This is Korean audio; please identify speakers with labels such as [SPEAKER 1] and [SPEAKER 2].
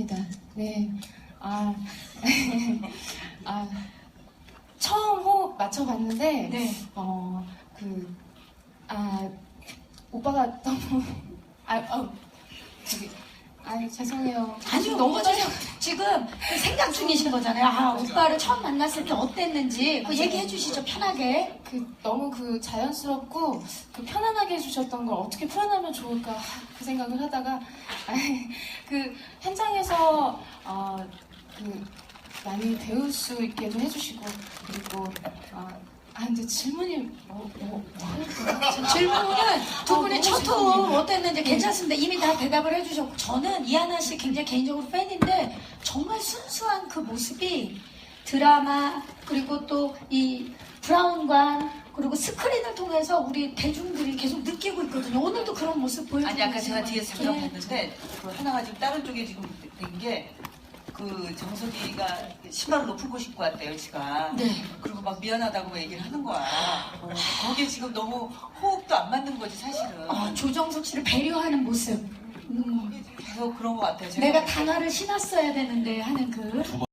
[SPEAKER 1] 반갑습니다. 네. 처음 호흡 맞춰봤는데,
[SPEAKER 2] 네.
[SPEAKER 1] 오빠가 너무, 죄송해요.
[SPEAKER 2] 아니 너무 지금 생각 중이신 거잖아요. 오빠를 처음 만났을 때 어땠는지 그 얘기해 주시죠, 편하게.
[SPEAKER 1] 너무 자연스럽고 편안하게 해주셨던 걸 어떻게 표현하면 좋을까 그 생각을 하다가 현장에서 많이 배울 수 있게도 해주시고 그리고 근데 질문이
[SPEAKER 2] 질문은 두 분의 첫 호흡 어땠는지
[SPEAKER 1] 네.
[SPEAKER 2] 괜찮습니다. 이미 다 대답을 해주셨고, 저는 이하나 씨 굉장히 개인적으로 팬인데 정말 순수한 그 모습이 드라마 그리고 또 이 브라운관 그리고 스크린을 통해서 우리 대중들이 계속 느끼고 있거든요. 오늘도 그런 모습 보여주고
[SPEAKER 3] 아니 아까 제가 뒤에서 잠깐
[SPEAKER 2] 네.
[SPEAKER 3] 봤는데 그 하나가 지금 다른 쪽에 지금 된 게 정석이가 신발을 높은 곳 입고 왔대요, 지가.
[SPEAKER 2] 네.
[SPEAKER 3] 그리고 막 미안하다고 얘기를 하는 거야. 거기에 지금 너무 호흡도 안 맞는 거지, 사실은.
[SPEAKER 2] 조정석 씨를 배려하는 모습.
[SPEAKER 3] 계속 그런 것 같아요. 제가
[SPEAKER 2] 내가 단화를 신었어야 되는데 하는 그